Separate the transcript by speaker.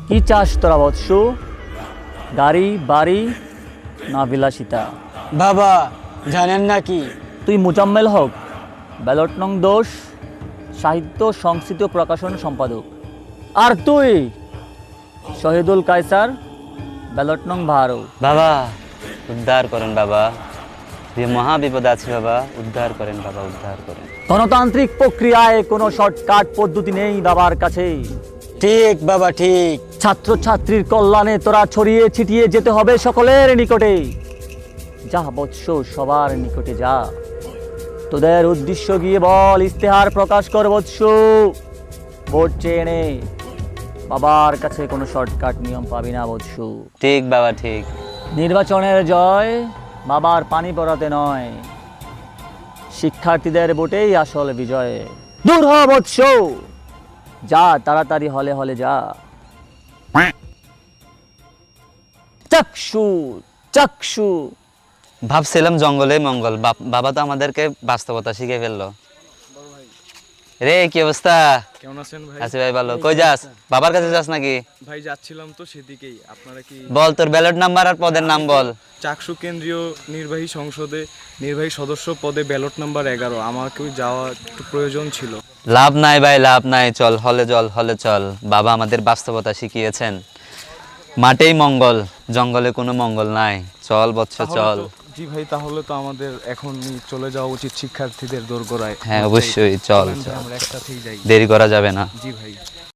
Speaker 1: কি চাস তোরা বৎস? গাড়ি বাড়ি না বিলাসিতা?
Speaker 2: বাবা জানেন নাকি?
Speaker 1: তুই মুজাম্মেল হক, ব্যালট নং 10, সাহিত্য সংস্কৃত প্রকাশন সম্পাদক। আর তুই শহীদুল কায়সার, ব্যালট নং 12।
Speaker 3: বাবা উদ্ধার করেন বাবা, যে মহা বিপদ আছে বাবা, উদ্ধার করেন বাবা, উদ্ধার করেন।
Speaker 1: গণতান্ত্রিক প্রক্রিয়ায় কোনো শর্টকাট পদ্ধতি নেই বাবার কাছে।
Speaker 2: ঠিক বাবা ঠিক।
Speaker 1: ছাত্রছাত্রীর কল্যাণে তোরা ছড়িয়ে ছিটিয়ে যেতে হবে সকলের নিকটে। যা বৎস, সবার নিকটে যা, তোদের উদ্দেশ্য গিয়ে বল, ইস্তেহার প্রকাশ কর বৎস। ভোট চেয়ে নে, বাবার কাছে কোনো শর্টকাট নিয়ম পাবি না বৎস।
Speaker 3: ঠিক বাবা ঠিক।
Speaker 1: নির্বাচনের জয় বাবার পানি পড়াতে নয়, শিক্ষার্থীদের ভোটেই আসল বিজয়। দূর হ বৎস, যা তাড়াতাড়ি হলে হলে যা। চক্ষু চক্ষু।
Speaker 3: ভাবছিলাম জঙ্গলে মঙ্গল, বাবা তো আমাদেরকে বাস্তবতা শিখে ফেললো। রে কি অবস্থা?
Speaker 4: কেমন আছেন ভাই?
Speaker 3: আছি ভাই ভালো। কই যাস? বাবার কাছে যাস নাকি?
Speaker 4: ভাই যাচ্ছিলাম তো সেদিকেই। আপনারা কি
Speaker 3: বল তোর ব্যালট নাম্বার আর পদের নাম বল।
Speaker 4: চাকসু কেন্দ্রীয় নির্বাহী সংসদে নির্বাহী সদস্য পদে ব্যালট নাম্বার 11। আমাকেও যাওয়া একটু প্রয়োজন ছিল।
Speaker 3: লাভ নাই ভাই, লাভ নাই, চল হলে চল, হলে চল। বাবা আমাদের বাস্তবতা শিখিয়েছেন, মাঠেই মঙ্গল, জঙ্গলে কোনো মঙ্গল নাই। চল বৎস চল।
Speaker 4: জি ভাই, তাহলে তো আমাদের এখনই চলে যাওয়া উচিত শিক্ষার্থীদের দোরগোড়ায়।
Speaker 3: হ্যাঁ অবশ্যই, চল
Speaker 4: চলেন ভাই,
Speaker 3: চল,
Speaker 4: আমরা একসাথেই যাই।
Speaker 3: দেরি করা যাবে না।
Speaker 4: জি ভাই।